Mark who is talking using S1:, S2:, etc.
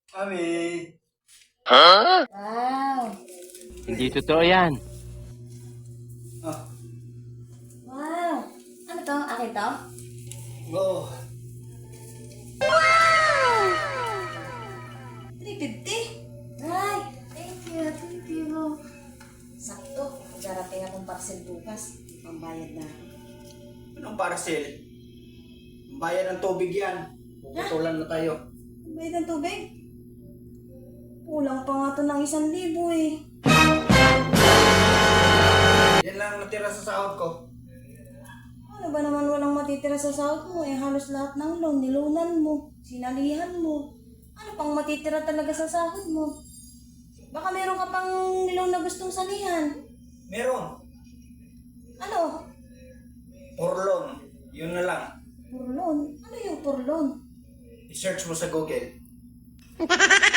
S1: Ami.
S2: Wow!
S3: Hindi totoo yan.
S1: Ah,
S2: Wow! Ano to? Akin to?
S1: oh.
S2: 350? Ay! Thank you! Thank you! Sakto. Darating akong parcel bukas. Pambayad na ako.
S1: Anong parcel? Bayad ng tubig yan. Puputulan na tayo.
S2: Bayad ng tubig? Kulang pa nga to ng 1,000 eh.
S1: Yan lang natira sa sahod ko.
S2: Ano ba naman walang matitira sa sahod mo? Eh halos lahat ng loan, nilunan mo, sinalihan mo. Ano pang matitira talaga sa sahod mo? Baka meron ka pang niloan na gustong salihan.
S1: Meron.
S2: Ano?
S1: Orlon. Yun na lang.
S2: Purlon? Ano yung purlon?
S1: I-search mo sa Google.